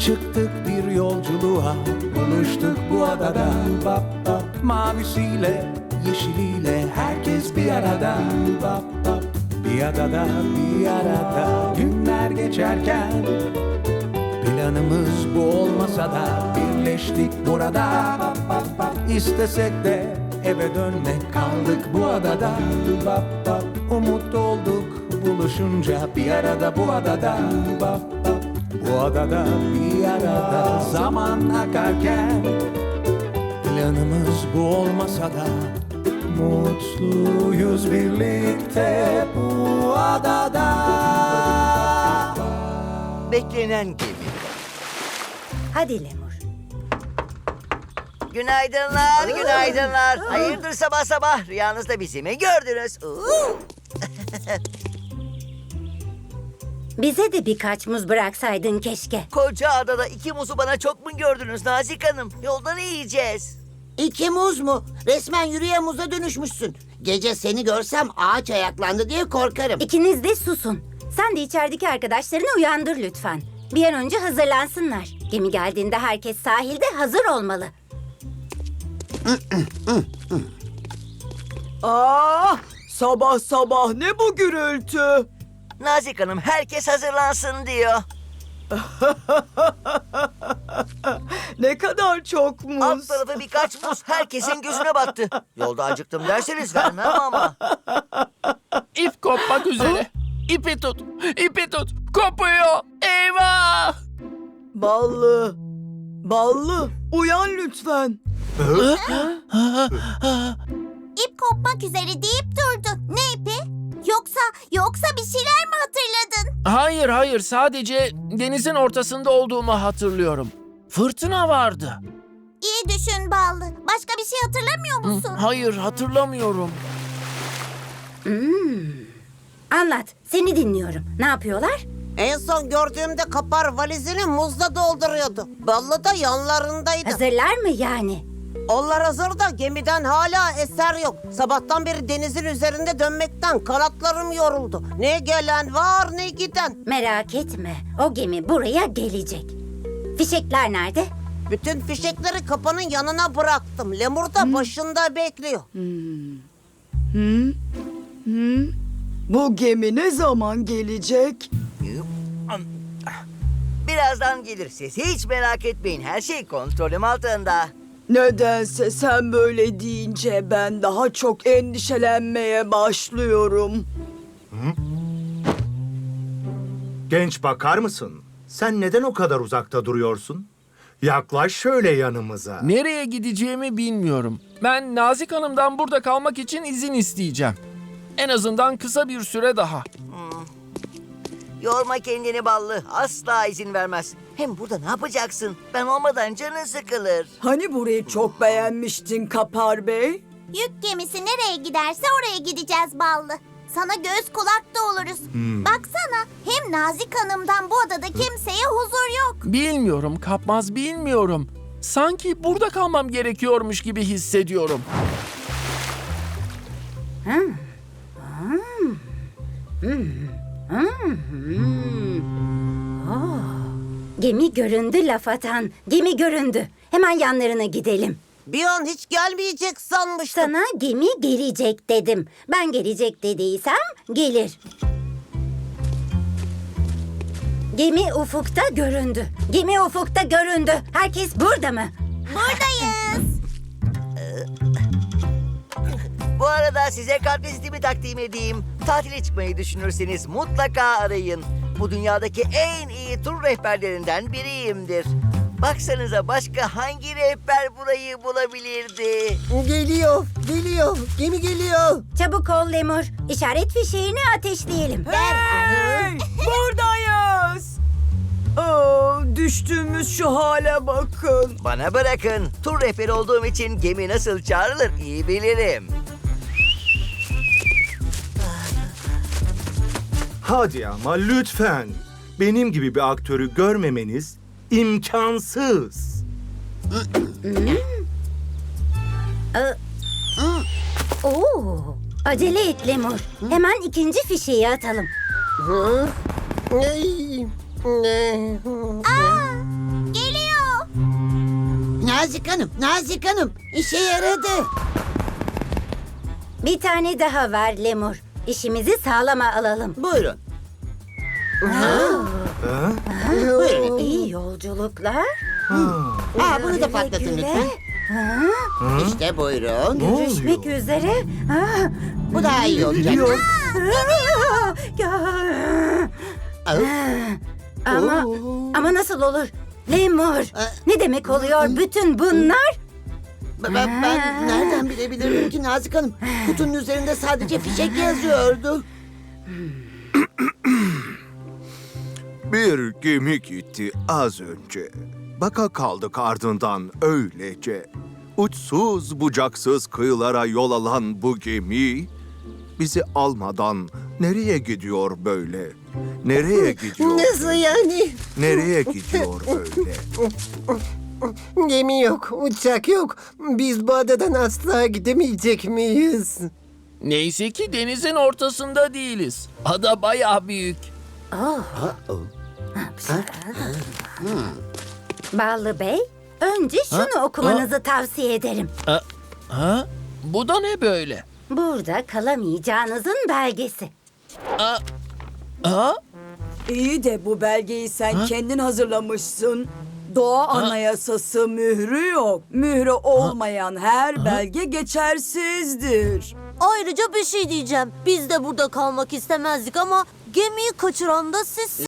Çıktık bir yolculuğa, buluştuk bu adada. Bap bap, mavisiyle, yeşiliyle herkes bir arada. Bap bap, bir adada, bir arada. Günler geçerken planımız bu olmasa da birleştik burada. Bap bap bap, istesek de eve dönmek, kaldık bu adada. Bap bap, umut olduk buluşunca bir arada bu adada. Bap bap, bu adada bir arada. Zaman akarken planımız bu olmasa da mutluyuz birlikte bu adada. Beklenen gemi. Hadi Lemur. Günaydınlar, günaydınlar. Hayırdır sabah sabah? Rüyanızda bizi mi gördünüz? Bize de birkaç muz bıraksaydın keşke. Koca adada 2 muzu bana çok mu gördünüz Nazik Hanım? Yolda ne yiyeceğiz? 2 muz mu? Resmen yürüyen muza dönüşmüşsün. Gece seni görsem ağaç ayaklandı diye korkarım. İkiniz de susun. Sen de içerideki arkadaşlarını uyandır lütfen. Bir an önce hazırlansınlar. Gemi geldiğinde herkes sahilde hazır olmalı. Sabah sabah ne bu gürültü? Nazik Hanım herkes hazırlansın diyor. Ne kadar çok muz. Alt tarafı birkaç muz herkesin gözüne battı. Yolda acıktım derseniz vermem ama. İp kopmak üzere. İpi tut, ipi tut. Kopuyor. Eyvah! Ballı. Ballı, uyan lütfen. İp kopmak üzere deyip durdu. Ne ipi? Yoksa bir şeyler mi hatırladın? Hayır, sadece denizin ortasında olduğumu hatırlıyorum. Fırtına vardı. İyi düşün Ballı. Başka bir şey hatırlamıyor musun? Hayır, hatırlamıyorum. Anlat, seni dinliyorum. Ne yapıyorlar? En son gördüğümde kapar valizini muzla dolduruyordu. Ballı da yanlarındaydı. Hazırlar mı yani? Onlar hazır da gemiden hala eser yok. Sabahtan beri denizin üzerinde dönmekten kanatlarım yoruldu. Ne gelen var ne giden. Merak etme, o gemi buraya gelecek. Fişekler nerede? Bütün fişekleri kapanın yanına bıraktım. Lemur da başında bekliyor. Bu gemi ne zaman gelecek? Birazdan gelir. Siz hiç merak etmeyin. Her şey kontrolüm altında. Nedense sen böyle deyince ben daha çok endişelenmeye başlıyorum. Genç bakar mısın? Sen neden o kadar uzakta duruyorsun? Yaklaş şöyle yanımıza. Nereye gideceğimi bilmiyorum. Ben Nazik Hanım'dan burada kalmak için izin isteyeceğim. En azından kısa bir süre daha. Yorma kendini Ballı. Asla izin vermez. Hem burada ne yapacaksın? Ben olmadan canın sıkılır. Hani burayı çok beğenmiştin Kapar Bey? Yük gemisi nereye giderse oraya gideceğiz Ballı. Sana göz kulak da oluruz. Baksana, hem Nazik Hanım'dan bu adada kimseye huzur yok. Bilmiyorum Kapmaz, bilmiyorum. Sanki burada kalmam gerekiyormuş gibi hissediyorum. Gemi göründü laf atan. Gemi göründü. Hemen yanlarına gidelim. Bir an hiç gelmeyecek sanmıştım. Sana gemi gelecek dedim. Ben gelecek dediysem gelir. Gemi ufukta göründü. Gemi ufukta göründü. Herkes burada mı? Buradayız. Bu arada size kartvizitimi takdim edeyim. Tatile çıkmayı düşünürseniz mutlaka arayın. Bu dünyadaki en iyi tur rehberlerinden biriyimdir. Baksanıza başka hangi rehber burayı bulabilirdi? Geliyor. Gemi geliyor. Çabuk ol Lemur. İşaret fişeğini ateşleyelim. Hey! Buradayız. Düştüğümüz şu hale bakın. Bana bırakın. Tur rehberi olduğum için gemi nasıl çağrılır iyi bilirim. Hadi ama lütfen. Benim gibi bir aktörü görmemeniz imkansız. Oo, acele et Lemur. Hemen ikinci fişeği atalım. Nazik Hanım, işe yaradı. Bir tane daha ver Lemur. İşimizi sağlama alalım. Buyurun. Buyurun. İyi yolculuklar. Bunu da patlatın Güle lütfen. İşte buyurun. Görüşmek üzere. Ah, Bu daha iyi olacak. Ama nasıl olur? Lemur. Ne demek oluyor bütün bunlar? Ben nereden bilebilirim ki Nazik Hanım? Kutunun üzerinde sadece fişek yazıyordu. Bir gemi gitti az önce. Baka kaldık ardından öylece. Uçsuz bucaksız kıyılara yol alan bu gemi bizi almadan nereye gidiyor böyle? Nereye gidiyor? Nasıl yani? Nereye gidiyor böyle? Gemi yok, uçak yok. Biz bu adadan asla gidemeyecek miyiz? Neyse ki denizin ortasında değiliz. Ada bayağı büyük. Ballı Bey, önce şunu okumanızı tavsiye ederim. Ha? Bu da ne böyle? Burada kalamayacağınızın belgesi. Ha? İyi de bu belgeyi sen kendin hazırlamışsın. Doğa Anayasası mührü yok. Mührü olmayan her belge geçersizdir. Ayrıca bir şey diyeceğim. Biz de burada kalmak istemezdik ama gemiyi kaçıran da sizsiniz.